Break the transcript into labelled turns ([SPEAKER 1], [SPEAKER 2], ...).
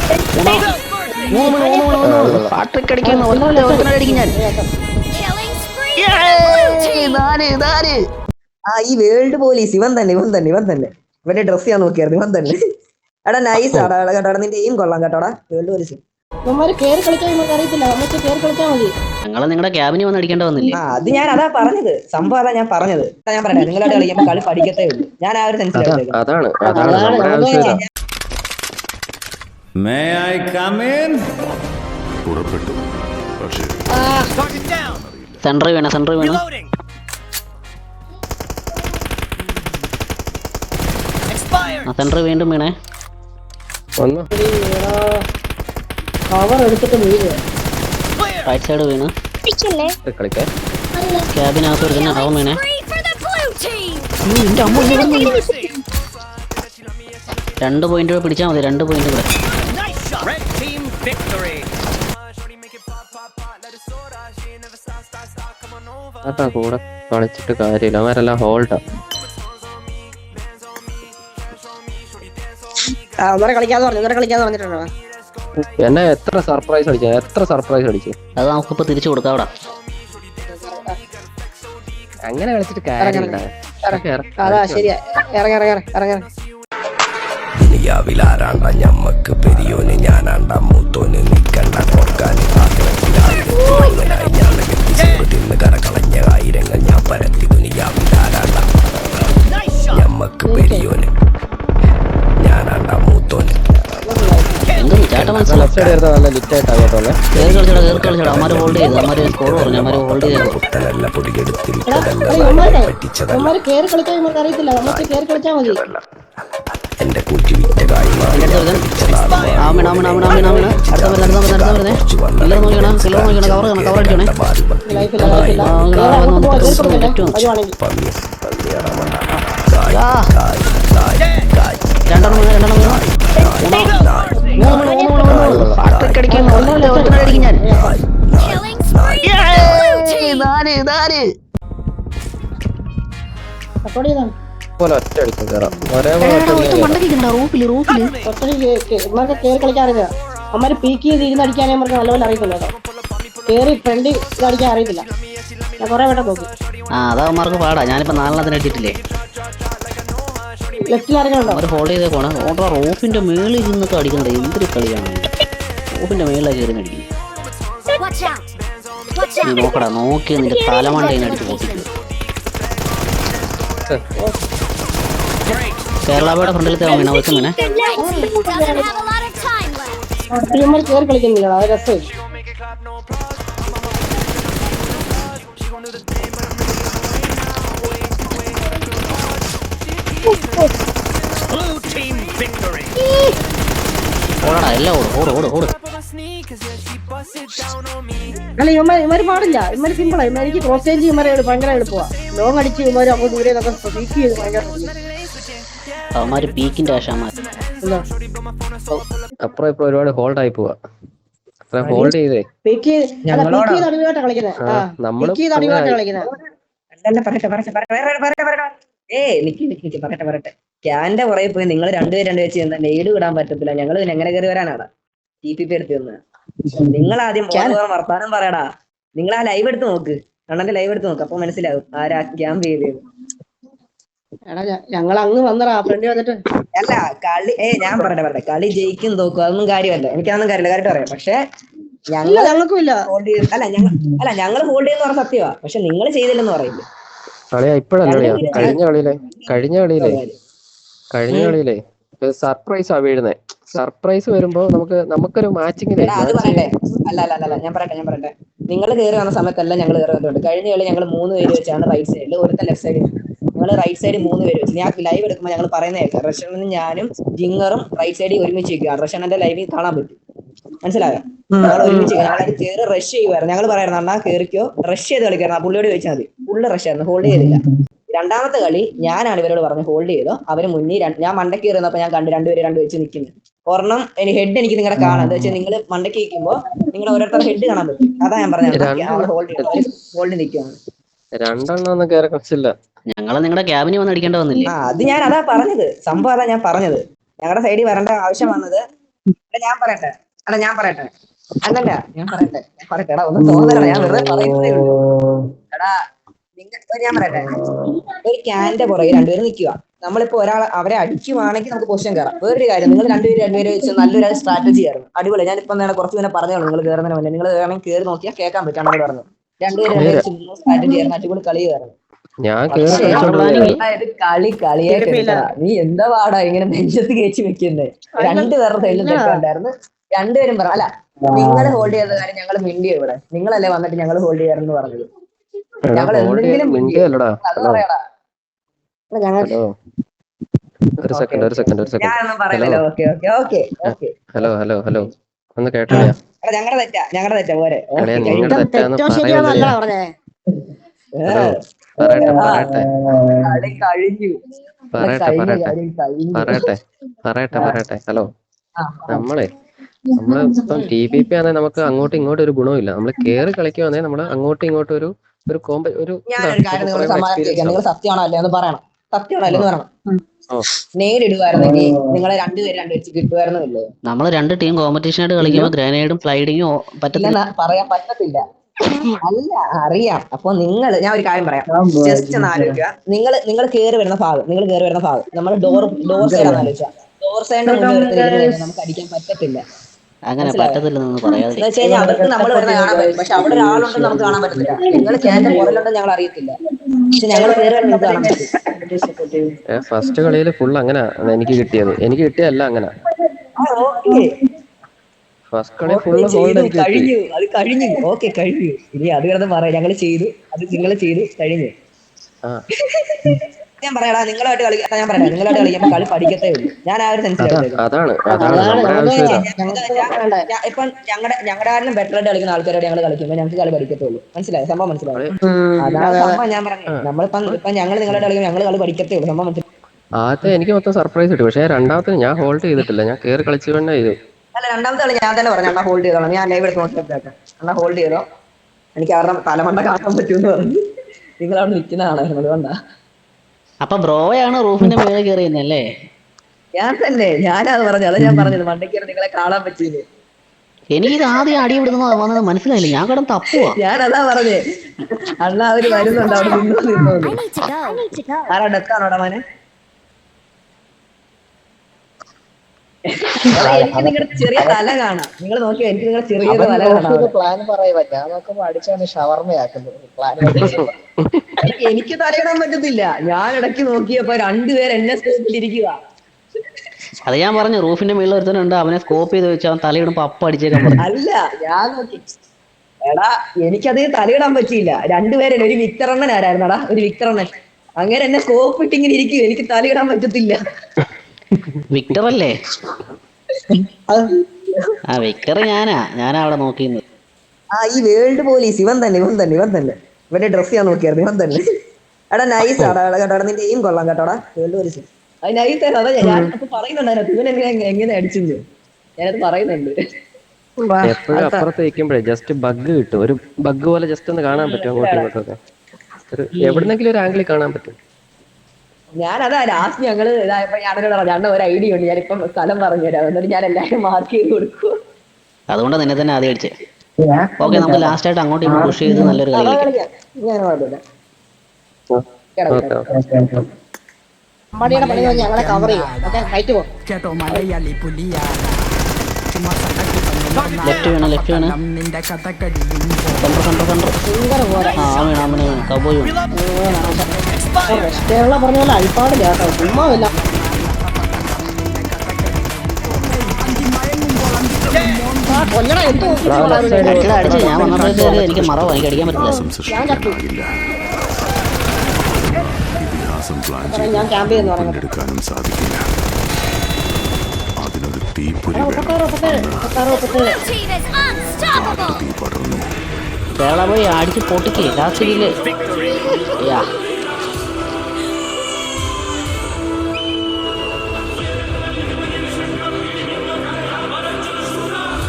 [SPEAKER 1] Patrick അടിക്കുന്നു. അടിക്കും ഞാൻ.
[SPEAKER 2] ഈ വേൾഡ് പോലീസ് ഇവൻ തന്നെ ഇവന്റെ ഡ്രസ് ഞാൻ നോക്കിയായിരുന്നു. ഇവൻ തന്നെ. എടാ നൈസ് ആടാ കേട്ടോ. നിന്റെ എയിം കൊള്ളാം കേട്ടോടാ. വേൾഡ് പോലീസ്
[SPEAKER 1] ഞങ്ങളെ നിങ്ങളുടെ ക്യാബിന് വന്ന് അടിക്കേണ്ട വന്നില്ലേ?
[SPEAKER 2] അത് ഞാൻ അതാ പറഞ്ഞത്. സംഭവം അതാ ഞാൻ പറഞ്ഞത്. ഞാൻ പറയട്ടെ, നിങ്ങളായിട്ട് കളിക്കുമ്പോൾ കളി പഠിക്കത്തേ ഉള്ളൂ. ഞാൻ ആ ഒരു സെൻസിലാണ്.
[SPEAKER 1] സെൻട്രൽ വീണ സെൻട്രൽ വീണ്ടും വീണേ. റൈറ്റ് സൈഡ് വീണ്. ക്യാബിനകത്ത് ഒരുത്തന്നെ അവൻ വീണേ. രണ്ട് പോയിന്റ് പിടിച്ചാൽ മതി. 2 പോയിന്റ് കൂടെ.
[SPEAKER 3] കൂടെ കളിച്ചിട്ട് കാര്യമില്ല. അവരെല്ലാം ഹോൾഡാ.
[SPEAKER 4] കളിക്കാന്ന് പറഞ്ഞിട്ടുണ്ടോ?
[SPEAKER 3] എന്നെ എത്ര സർപ്രൈസ് അടിച്ചു.
[SPEAKER 1] അത് നമുക്കിപ്പോ തിരിച്ചു കൊടുക്കാം.
[SPEAKER 3] അങ്ങനെ കളിച്ചിട്ട് കാര്യമില്ല.
[SPEAKER 5] ദുനിയാവിലാരാണ്ട ഞമ്മക്ക് പെരിയോന് ഞാനാണ്ട മൂത്തോന് നിക്കണ്ട ഓർക്കാന് തിന്ന് കരകളഞ്ഞ ആയിരങ്ങൾ ഞാൻ പരത്തി. ദുനിയാവിലാരാണ്ട ഞമ്മക്ക് പെരിയോന് ഞാനാണ്ട മൂത്തോന്. പുത്തനല്ല പൊടിയെടുത്തില്ല എന്റെ കൂട്ടി വിറ്റ
[SPEAKER 1] അടിക്കും ഞാൻ.
[SPEAKER 4] അമ്മമാര് പീക്ക് ചെയ്ത് ഇരുന്ന് അടിക്കാനേ നമുക്ക് നല്ലപോലെ അറിയത്തില്ല കേട്ടോ. കേറി ഫ്രണ്ട് ഇതടിക്കാൻ അറിയത്തില്ല. ഞാൻ കൊറേ വട്ടം നോക്കി.
[SPEAKER 1] അതവന്മാർക്ക് പാടാ. ഞാനിപ്പോ 4 അടിച്ചിട്ടില്ലേ.
[SPEAKER 4] ലെഫ്റ്റിൽ ഇറങ്ങണോ?
[SPEAKER 1] അവര് ഹോൾഡ് ചെയ്തേക്കോണ. റൂഫിന്റെ മേളിൽ ഇരുന്നൊക്കെ അടിക്കണ്ടേ. എന്തൊരു കളിയാണ്. റൂഫിന്റെ മേളിലാണ് കയറി അടിക്കുന്നത്. നീ നോക്കടാ. നോക്കി നിന്റെ തലമണ്ട അടിച്ച് പൊട്ടിക്കുക. കേരളയുടെ ഫ്രണ്ടിലത്തെ വീണ വെക്കുങ്ങനെ.
[SPEAKER 4] കേറി കളിക്കുന്നില്ല. അത് രസം.
[SPEAKER 1] ഓടാ എല്ലാം ഓട്.
[SPEAKER 4] അല്ല ഇവന്മാര് പാടില്ല. ഇവന്മാര് സിമ്പിളാ. ഇവന്മാർക്ക് ക്രോസ് ചേഞ്ച് ഇവന്മാരെ ഭയങ്കര എളുപ്പമാ. ലോങ് അടിച്ച് ഇവന്മാര് അങ്ങ് ദൂരെ പീക്ക് ചെയ്ത് ഭയങ്കര
[SPEAKER 1] അവന്മാര് പീക്കിന്റെ ആശാമാർ.
[SPEAKER 3] അപ്പുറം ഇപ്പൊ ഒരുപാട് ഹോൾഡ് ആയി പോവാ. ഹോൾഡ് ചെയ്തേ
[SPEAKER 2] പറയട്ടെ. ക്യാന്റെ പുറകെ പോയി നിങ്ങൾ രണ്ടുപേരും വെച്ച് നെയ്ഡ് വിടാൻ പറ്റത്തില്ല. ഞങ്ങൾ എങ്ങനെ കയറി വരാനാടാ TPP എടുത്ത് വന്ന്. നിങ്ങൾ ആദ്യം വർത്താനം പറയടാ. നിങ്ങൾ ആ ലൈവ് എടുത്ത് നോക്ക്. അണ്ണന്റെ ലൈവ് എടുത്ത് നോക്ക്. അപ്പൊ മനസ്സിലാവും ആരാ ക്യാമ്പ് ചെയ്തത്.
[SPEAKER 4] ഞങ്ങൾ അങ്ങ് വന്നടാ ഫ്രണ്ട് വന്നിട്ട്.
[SPEAKER 2] അല്ല കളി ഞാൻ പറയട്ടെ. കളി ജയിക്കും തോക്കും അതൊന്നും കാര്യമല്ല. എനിക്കതൊന്നും കാര്യമില്ല. കാര്യമായിട്ട് പറയാം. പക്ഷെ
[SPEAKER 4] ഞങ്ങൾക്കും ഇല്ല.
[SPEAKER 2] ഞങ്ങൾ ഹോൾഡ് ചെയ്യുന്ന പറഞ്ഞ സത്യമാ. പക്ഷെ നിങ്ങൾ ചെയ്തില്ലെന്ന് പറയില്ല.
[SPEAKER 3] കഴിഞ്ഞ കളിയിലെ സർപ്രൈസാ വീഴുന്നേ. സർപ്രൈസ് വരുമ്പോ നമുക്കൊരു മാച്ചിങ്ങിന്
[SPEAKER 2] അത് പറയട്ടെ. അല്ല ഞാൻ പറയട്ടെ. നിങ്ങൾ കയറി വന്ന സമയത്തല്ല ഞങ്ങൾ കയറി വന്നിട്ടുണ്ട്. കഴിഞ്ഞ കളി ഞങ്ങൾ 3 പേര് വെച്ചാണ് റൈറ്റ് സൈഡിൽ, ഒരുത്തൻ ലെഫ്റ്റ് സൈഡിൽ. ഞങ്ങൾ റൈറ്റ് സൈഡിൽ 3 പേര് വെച്ച്. ഞാൻ ലൈവ് എടുക്കുമ്പോൾ ഞങ്ങൾ പറയുന്ന കേൾക്കാം. റഷനും ഞാനും ജിങ്ങറും റൈറ്റ് സൈഡിൽ ഒരുമിച്ച് വെക്കുക. റഷനന്റെ ലൈവിൽ കാണാൻ പറ്റും. മനസ്സിലായോ? ഞങ്ങൾ ഒരുമിച്ച് ഞങ്ങളത് കയറി റഷ് ചെയ്യുമായിരുന്നു. ഞങ്ങൾ പറയായിരുന്നു അണ്ണാ കയറിക്കോ റഷ് ചെയ്ത് കളിക്കായിരുന്നു. ആ പുള്ളിയോട് ചോദിച്ചാൽ മതി. ഫുള്ള് റഷ് ആയിരുന്നു. ഹോൾഡ് ചെയ്തില്ല. രണ്ടാമത്തെ കളി ഞാനാണ് ഇവരോട് പറഞ്ഞ് ഹോൾഡ് ചെയ്തോ. അവര് മുന്നിൽ ഞാൻ മണ്ടയ്ക്ക് കയറുന്നപ്പോ ഞാൻ കണ്ട് 2 പേര് 2 വെച്ച് നിൽക്കുന്നു. ഒരെണ്ണം ഹെഡ് എനിക്ക് നിങ്ങളെ കാണാം. എന്താ വെച്ചാൽ നിങ്ങൾ മണ്ടയ്ക്ക് നിൽക്കുമ്പോ നിങ്ങൾ ഓരോരുത്തരുടെ ഹെഡ് കാണാൻ പറ്റും. അതാ ഞാൻ പറഞ്ഞത്. ഹോൾഡ് നിൽക്കുകയാണ്.
[SPEAKER 3] രണ്ടെണ്ണം കയറി കളിച്ചില്ല.
[SPEAKER 1] ഞങ്ങളെ നിങ്ങളുടെ ക്യാബിന് വന്ന് അടിക്കേണ്ട വന്നില്ലേ?
[SPEAKER 2] അത് ഞാൻ അതാ പറഞ്ഞത്. സംഭവം അതാ ഞാൻ പറഞ്ഞത്. ഞങ്ങളുടെ സൈഡിൽ വരേണ്ട ആവശ്യം വന്നത് ഞാൻ പറയട്ടെ അല്ലല്ല ഞാൻ പറയട്ടെ എടാ ഒന്നും തോന്നലടാ ഞാൻ വെറുതെ പറയുന്നതേ ഉള്ളൂ എടാ ഞാൻ പറയട്ടെ ഒരു ക്യാന്റെ പുറകെ രണ്ടുപേരും നിൽക്കുക നമ്മളിപ്പോ അവരെ അടിക്കുവാണെങ്കിൽ നമുക്ക് പൊസിഷൻ കയറാം വേറൊരു കാര്യം നിങ്ങൾ രണ്ടുപേരും വെച്ച് നല്ലൊരു സ്ട്രാറ്റജി ആയിരുന്നു അടിപൊളി ഞാനിപ്പം കുറച്ച് പിന്നെ പറഞ്ഞോളൂ നിങ്ങൾ കയറുന്നതിന് മുന്നേ നിങ്ങൾ വേണമെങ്കിൽ കയറി നോക്കിയാൽ കേൾക്കാൻ പറ്റും അങ്ങനെ പറഞ്ഞു രണ്ടുപേരും സ്ട്രാറ്റജി ആയിരുന്നു അടിപൊളി കളിയായിരുന്നു
[SPEAKER 3] ഞാൻ
[SPEAKER 2] കളിയെ നീ എന്താ പാടാ ഇങ്ങനെ നെഞ്ചത്ത് കേച്ചു വെക്കുന്നത് രണ്ടുപേരുടെ സൈഡിൽ തെറ്റുണ്ടായിരുന്നു രണ്ടുപേരും പറ അല്ല നിങ്ങൾ ഹോൾഡ് ചെയ്ത കാര്യം ഞങ്ങൾ മിണ്ടി ഇവിടെ നിങ്ങളല്ലേ വന്നിട്ട് ഞങ്ങൾ ഹോൾഡ് ചെയ്യാറെന്ന് പറഞ്ഞത് ഞങ്ങൾ എന്തെങ്കിലും അത് പറയടാ ഞാനൊന്നും പറയുന്നില്ല ഓക്കെ
[SPEAKER 3] ഒന്ന് കേട്ടോ
[SPEAKER 2] ഞങ്ങളുടെ തെറ്റാ പോരെ
[SPEAKER 4] തെറ്റോ ശരിയോ നല്ല പറഞ്ഞേ.
[SPEAKER 3] പറയട്ടെ ഹലോ നമ്മളിപ്പം TPP ആണെങ്കിൽ നമുക്ക് അങ്ങോട്ടും ഇങ്ങോട്ടും ഒരു ഗുണമില്ല. നമ്മൾ കേറി കളിക്കുവാണെങ്കിൽ നമ്മൾ അങ്ങോട്ടും ഇങ്ങോട്ടും ഒരു
[SPEAKER 2] നിങ്ങൾ സത്യമാണോ അല്ലേ എന്ന് പറയണം നേരിടുവായിരുന്നെങ്കിൽ നിങ്ങളെ രണ്ടുപേരും വെച്ച് കിട്ടുമായിരുന്നില്ലേ?
[SPEAKER 1] നമ്മള് 2 ടീം കോമ്പറ്റീഷൻ ആയിട്ട് കളിക്കുമ്പോൾ ഗ്രനേഡും ഫ്ലൈഡിങ്ങും പറ്റത്തില്ല
[SPEAKER 2] പറയാൻ പറ്റത്തില്ല അല്ല അറിയാം. അപ്പൊ ഞാൻ ഒരു കാര്യം പറയാം ജസ്റ്റ് ഒന്ന് ആലോചിക്കുക നിങ്ങൾ കയറി വരുന്ന ഭാഗം നമ്മൾ ഡോർ സൈഡാന്ന് ആലോചിക്കുക ഡോർ സൈഡിന്റെ മുന്നിൽ നമുക്ക് അടിക്കാൻ പറ്റത്തില്ല
[SPEAKER 1] അങ്ങനെ പറ്റത്തില്ലെന്ന് പറയാതെ
[SPEAKER 2] അവർക്ക് നമ്മൾ വരുന്ന കാണാൻ പറ്റും പക്ഷെ അവിടെ ഒരാളുണ്ടെന്ന് നമുക്ക് കാണാൻ പറ്റത്തില്ല നിങ്ങൾ ക്യാന്റെ പുറലുണ്ടെന്ന് ഞങ്ങൾ അറിയത്തില്ല പക്ഷെ ഞങ്ങൾ കയറി വരുന്നത് കാണാൻ പറ്റും
[SPEAKER 3] ഫസ്റ്റ് കളിയിൽ ഫുൾ അങ്ങനെ എനിക്ക് കിട്ടിയല്ല അങ്ങനെ ഫസ്റ്റ് കളി ഫുൾ ഹോൾഡ്
[SPEAKER 2] കഴിഞ്ഞു ഓക്കെ കഴിഞ്ഞു ഇനി അത് കിടന്ന് പറയാം ഞങ്ങൾ ചെയ്തു അത് നിങ്ങൾ ചെയ്തു കഴിഞ്ഞു ഞാൻ പറയടാ നിങ്ങളായിട്ട് കളിക്കുമ്പോൾ കളി പഠിക്കത്തേ ഉള്ളൂ ഞാൻ ആ ഒരു ഇപ്പം ഞങ്ങളുടെ ആരും ബെറ്റർ ആയിട്ട് കളിക്കുന്ന ആൾക്കാരോട് ഞങ്ങൾ കളിക്കുമ്പോൾ ഞങ്ങൾക്ക് കളി പഠിക്കത്തേ ഉള്ളൂ മനസ്സിലായി സംഭവം മനസ്സിലായി അതാണ് സംഭവം ഞാൻ പറഞ്ഞു നമ്മളിപ്പം ഞങ്ങൾ നിങ്ങളായിട്ട് കളിക്കുമ്പോൾ ഞങ്ങൾ കളി പഠിക്കത്തേ ഉള്ളൂ സംഭവം മനസ്സിലായി
[SPEAKER 3] ആദ്യത്തെ എനിക്ക് മൊത്തം സർപ്രൈസ് കിട്ടി പക്ഷെ രണ്ടാമത്തെ ഞാൻ ഹോൾഡ് ചെയ്തിട്ടില്ല ഞാൻ കയറി കളിച്ചു തന്നെ ചെയ്തു
[SPEAKER 2] അല്ല രണ്ടാമത്തെ കളി ഞാൻ തന്നെ പറഞ്ഞു അണ്ണാ ഹോൾഡ് ചെയ്തോളാം ഞാൻ ലൈവ് എടുത്ത് നോക്കിയിട്ട് അണ്ണാ ഹോൾഡ് ചെയ്തോ എനിക്ക് അവരുടെ തലമണ്ട കാണാൻ പറ്റുമെന്ന് പറഞ്ഞു നിങ്ങൾ അവിടെ നിൽക്കുന്നതാണായിരുന്നു അതുകൊണ്ടാ
[SPEAKER 1] അപ്പൊ ബ്രോയാണ് റൂഫിന്റെ മേലെ കയറിയെന്നല്ലേ?
[SPEAKER 2] ഞാനത് പറഞ്ഞു അതാ ഞാൻ പറഞ്ഞത് മണ്ടയ്ക്ക് നിങ്ങളെ കാണാൻ പറ്റിയില്ലേ
[SPEAKER 1] എനിക്കിത് ആദ്യം അടി വന്നത് മനസ്സിലായില്ല ഞാൻ കിടന്ന് തപ്പുവാ
[SPEAKER 2] ഞാനതാ പറഞ്ഞേ അണ്ണാ അവര് വരുന്നുണ്ട് അവിടെ നിന്നോന്ന് ആരാ ഡെത്താണോടാ മോനെ എനിക്ക് നിങ്ങളുടെ ചെറിയ തല കാണാം നിങ്ങൾ നോക്കിയോ എനിക്ക് നിങ്ങളുടെ ചെറിയ തല കാണാം
[SPEAKER 6] പ്ലാൻ പറയുക ഞാൻ നോക്കുമ്പോ അടിച്ചാണ് ഷവർമ്മയാക്കുന്നത് പ്ലാൻ
[SPEAKER 2] എനിക്ക് തലയിടാൻ പറ്റത്തില്ല ഞാൻ ഇടയ്ക്ക് നോക്കിയപ്പോ രണ്ടുപേർ എന്നെ സ്കോപ്പിലിരിക്കുക
[SPEAKER 1] അത് ഞാൻ പറഞ്ഞു റൂഫിന്റെ മേളിൽ ഒരുത്തനുണ്ട് അവനെ സ്കോപ്പ് ചെയ്ത് വെച്ച് അവൻ തലയിടുമ്പോ അപ്പ അടിച്ചേക്കാൻ പറഞ്ഞു
[SPEAKER 2] അല്ല ഞാൻ നോക്കി എടാ എനിക്കത് തലയിടാൻ പറ്റിയില്ല രണ്ടുപേരും ഒരു വിക്ടറണ്ണൻ ആരായിരുന്നടാ ഒരു വിക്ടറണ്ണൻ അങ്ങനെ എന്നെ സ്കോപ്പ് ഇട്ടിങ്ങനെ ഇരിക്കും എനിക്ക് തലയിടാൻ പറ്റത്തില്ല
[SPEAKER 1] വിക്ടർ അല്ലേ വിക്ടർ ഞാനാ അവിടെ നോക്കിയിരുന്നത്
[SPEAKER 2] ഈ വേൾഡ് പോലീസ് ഇവൻ തന്നെ ഇവന്റെ ഡ്രസ് ചെയ്യാൻ നോക്കിയായിരുന്നു ഇവൻ തന്നെ എടാ നൈസ് ആടാ കേട്ടോ നിന്റെ എയിം കൊള്ളാം കേട്ടോടാ വേൾഡ് പോലീസ് അത് നൈസ് ആയിരുന്നു അതാ ഞാനത് പറയുന്നുണ്ടായിരുന്നു ഇവൻ എങ്ങനെ അടിച്ചെന്ന് ഞാനത് പറയുന്നുണ്ട്
[SPEAKER 3] എപ്പോഴും അപ്പുറത്ത് വെക്കുമ്പോഴേ ജസ്റ്റ് ബഗ് കിട്ടും ഒരു ബഗ് പോലെ ജസ്റ്റ് ഒന്ന് കാണാൻ പറ്റും അങ്ങോട്ടും ഇങ്ങോട്ടൊക്കെ എവിടുന്നെങ്കിലും ഒരു ആംഗിളിൽ കാണാൻ പറ്റും
[SPEAKER 2] ഞാനതാ ലാസ്റ്റ് ഞങ്ങള് ഇതായപ്പോ ഞാനോട് പറഞ്ഞു ഒരു ഐഡിയ ഉണ്ട് ഞാനിപ്പം സ്ഥലം പറഞ്ഞുതരാം എന്നിട്ട് ഞാൻ എല്ലാവരും മാർക്ക് ചെയ്ത് കൊടുക്കും
[SPEAKER 1] അതുകൊണ്ട് നിന്നെ തന്നെ ആദ്യം അടിച്ചേ ഓക്കെ നമുക്ക് ലാസ്റ്റ് ആയിട്ട് അങ്ങോട്ട് ഇങ്ങോട്ട് പുഷ് ചെയ്ത് നല്ലൊരു കളി
[SPEAKER 4] അമ്പാടിയുടെ പണി ഞങ്ങളെ കവർ ചെയ്യും ഹൈറ്റ് പോകും
[SPEAKER 1] ലെഫ്റ്റ് വേണം കബോയ്
[SPEAKER 4] പറഞ്ഞ പോലെ അഴിപ്പാടില്ല കേട്ടോ ചുമ്മാവില്ല
[SPEAKER 1] അടിച്ച് ഞാൻ വന്നപ്പോഴത്തേക്ക് എനിക്ക് മറവ് എനിക്ക് അടിക്കാൻ പറ്റില്ല
[SPEAKER 4] ഞാൻ ക്യാമ്പ് ചെയ്യുന്നു
[SPEAKER 1] കേരള പോയി അടിച്ച് പൊട്ടിക്കേ ലാസ്റ്റ്